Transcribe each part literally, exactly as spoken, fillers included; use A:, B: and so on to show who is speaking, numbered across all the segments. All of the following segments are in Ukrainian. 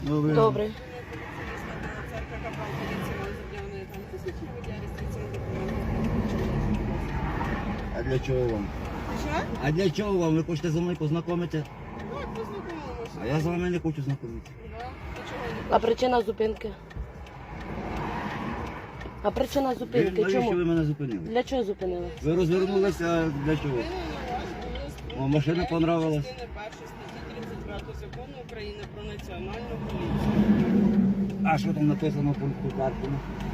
A: Добре.
B: Добре.
A: А для чого вам?
C: Що?
A: А для чого вам? Ви хочете зі мною познайомитися?
C: Так, познайомимося.
A: А я з вами не хочу знайомитися.
C: Да? Для чого не
B: А причина зупинки? А причина
A: Ви,
B: зупинки
A: навіщо ви
B: чому?
A: мене зупинили?
B: Для чого зупинили?
A: Ви розвернулися, а для чого? О, машина понравилась.
C: Частина перша статті тридцять п'ять закону України про національну поліцію.
A: А що там написано в пункту карти?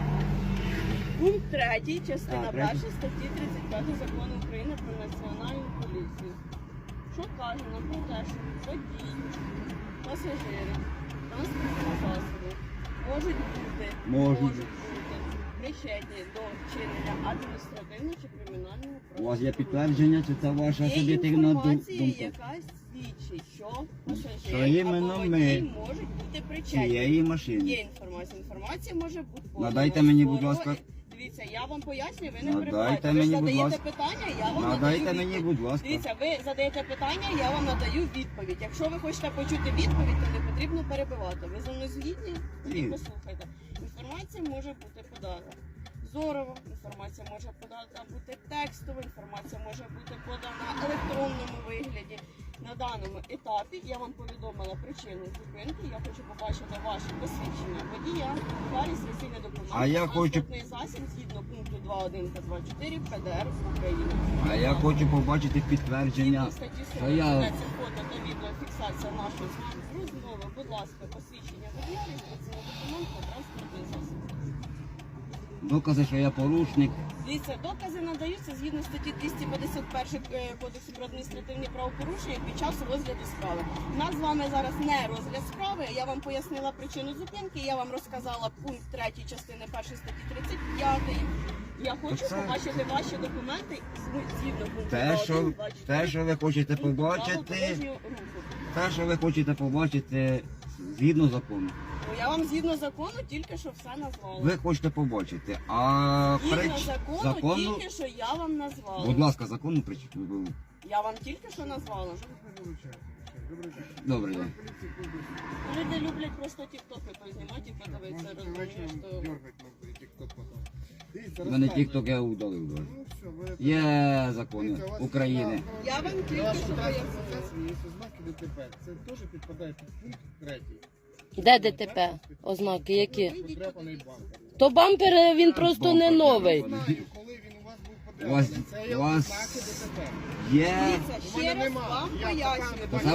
C: Пункт третій, частина
A: А, третій.
C: перша статті тридцять п'ять закону України про національну поліцію. Що каже нам про те, що водії, пасажири, транспортного засобу можуть бути,
A: Можуть.
C: бути причетні до вчинення адміністративного чи кримінального
A: У вас є
C: правопорушення.
A: підтвердження, чи це ваша
C: Є
A: суб'єктивна ду-
C: інформація,
A: думка?
C: яка свідчить, що
A: Що
C: пасажири
A: іменно
C: або
A: ми
C: водій можуть бути причетні.
A: Цієї
C: Є
A: машини.
C: інформація. Інформація може бути подана.
A: Надайте мені, будь
C: скоро.
A: ласка.
C: Дивіться, я вам пояснюю, ви не
A: Надайте
C: перебивайте. Ви
A: мені,
C: ж
A: будь
C: задаєте
A: ласка.
C: питання, я вам
A: Надайте
C: надаю
A: мені,
C: відповідь.
A: будь ласка.
C: Дивіться, ви задаєте питання, я вам надаю відповідь. Якщо ви хочете почути відповідь, то не потрібно перебивати. Ви зі мною згідні? Тоді
A: Ні.
C: послухайте. Інформація може бути подана зорово, інформація може подана бути текстово, інформація може бути подана в електронному вигляді. На даному етапі я вам повідомила причину зупинки. Я хочу побачити ваше посвідчення водія, далі реєстраційний документ,
A: А я хочу-
C: транспортний засіб згідно пункту два один та два чотири П Д Р України.
A: А я хочу побачити підтвердження,
C: Згідно статті
A: що
C: сорок
A: я...
C: це фото та відеофіксація нашої з вами розмови. Будь ласка, посвідчення водія, реєстраційний документ та транспортний засіб.
A: докази, що я порушник.
C: Дивіться, докази надаються згідно статті двісті п'ятдесят один е, Кодексу про адміністративні правопорушення під час розгляду справи. У нас з вами зараз не розгляд справи. Я вам пояснила причину зупинки, я вам розказала пункт третій частини першої статті тридцять п'ять. Я хочу
A: Так це-
C: побачити ваші документи з- згідно пункту
A: Те,
C: два
A: що,
C: один, два чотири
A: те, що ви хочете
C: пункту правил
A: побачити,
C: дорожнього руху.
A: те, що ви хочете побачити згідно закону.
C: Ну, я вам згідно закону тільки що все назвала.
A: Ви хочете побачити, а
C: Згідно
A: прич...
C: закону,
A: закону...
C: тільки що я вам назвала.
A: Будь ласка, законну причину.
C: Я вам тільки що назвала.
A: Добре, день.
C: Люди люблять просто тіктоки познімати і подивитися, розумієш, що...
A: У мене тік-ток я удалив. да. Є закони України.
C: Я вам тільки що пояснила.
D: Ознаки ДТП. Це теж підпадає під пункт третій.
B: Де Д Т П? Ознаки які?
D: Подряпаний бампер.
B: То бампер він просто не
A: Бампер
B: новий.
D: Знаю, коли він у вас був
A: У вас-
D: подряпаний. Це є
A: у вас-
D: ознаки ДТП.
A: Є.
C: Дивіться, ще раз вам
D: Я
C: пояснюю.
D: пока не